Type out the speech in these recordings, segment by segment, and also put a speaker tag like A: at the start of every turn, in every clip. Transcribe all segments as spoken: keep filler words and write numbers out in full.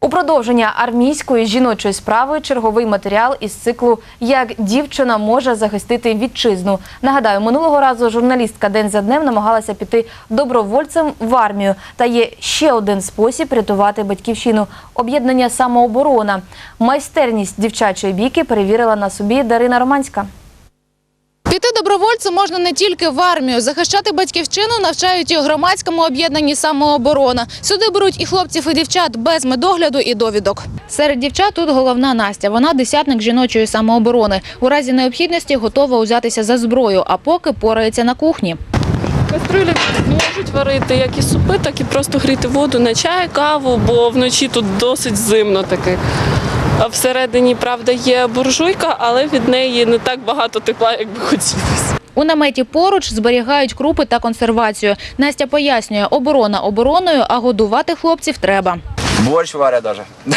A: У продовження армійської жіночої справи черговий матеріал із циклу «Як дівчина може захистити вітчизну». Нагадаю, минулого разу журналістка день за днем намагалася піти добровольцем в армію. Та є ще один спосіб рятувати батьківщину – об'єднання «Самооборона». Майстерність дівчачої бійки перевірила на собі Дарина Романська.
B: Піти добровольцем можна не тільки в армію. Захищати батьківщину навчають і у громадському об'єднанні «Самооборона». Сюди беруть і хлопців, і дівчат без медогляду і довідок. Серед дівчат тут головна Настя. Вона десятник жіночої самооборони. У разі необхідності готова узятися за зброю, а поки порається на кухні.
C: Каструлі можуть варити як і супи, так і просто гріти воду на чай, каву, бо вночі тут досить зимно таке. А всередині, правда, є буржуйка, але від неї не так багато тепла, як би хотілося.
B: У наметі поруч зберігають крупи та консервацію. Настя пояснює, оборона обороною, а годувати хлопців треба.
D: Борщ варять навіть.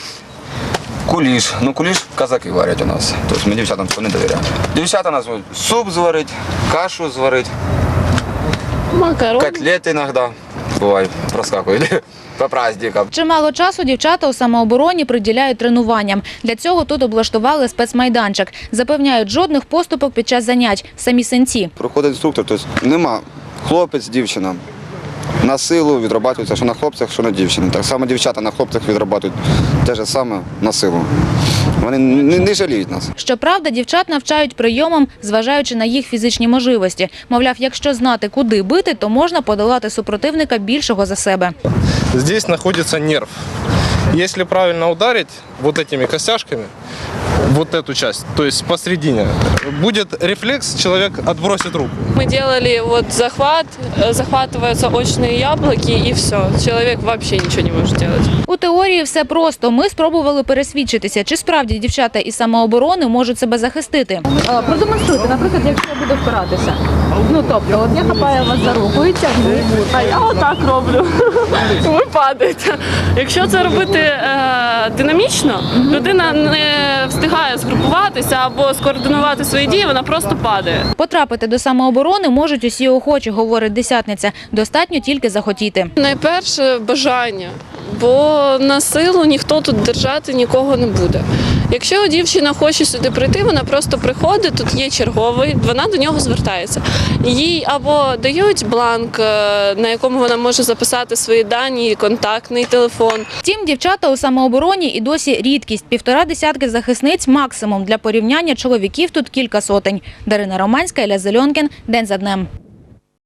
D: Куліш. Ну, куліш казаки варять у нас. Тобто ми дівчатам цього не довіряємо. Дівчата у нас суп зварить, кашу зварить,
C: Макарони.
D: котлети іноді бувають, проскакують. По праздникам.
B: Чимало часу дівчата у самообороні приділяють тренуванням. Для цього тут облаштували спецмайданчик. Запевняють, жодних поступок під час занять. Самі синці.
E: Проходить інструктор, тобто нема хлопець, дівчина. На силу відрабатується, що на хлопцях, що на дівчині. Так само дівчата на хлопцях відрабатують те ж саме на силу. Вони не, не жаліють нас.
B: Щоправда, дівчат навчають прийомам, зважаючи на їх фізичні можливості. Мовляв, якщо знати, куди бити, то можна подолати супротивника більшого за себе.
F: Здесь знаходиться нерв. Если правильно ударить вот этими костяшками, вот эту часть, то есть посередине, будет рефлекс, человек отбросит руку.
C: Мы делали вот захват, захватываются очные яблоки и все. Человек вообще ничего не может делать.
B: У теорії все просто. Ми спробували пересвідчитися, чи справді дівчата із самооборони можуть себе захистити.
G: Продемонструйте, наприклад, якщо я буду впиратися. Ну, тобто, от я хапаю вас за руку і тягну,
C: А я отак роблю. Ви падаєте. Якщо це робити е, динамічно, людина не встигає згрупуватися або скоординувати свої дії, вона просто падає.
B: Потрапити до самооборони можуть усі охочі, говорить десятниця. Достатньо тільки захотіти.
C: Найперше бажання, бо на силу ніхто тут держати нікого не буде. Якщо дівчина хоче сюди прийти, вона просто приходить, тут є черговий, вона до нього звертається. Їй або дають бланк, на якому вона може записати свої дані, контактний телефон.
B: Втім, дівчата у самообороні і досі рідкість. Півтора десятки захисниць – максимум. Для порівняння чоловіків тут кілька сотень. Дарина Романська, Ілля Зеленкін. День за днем.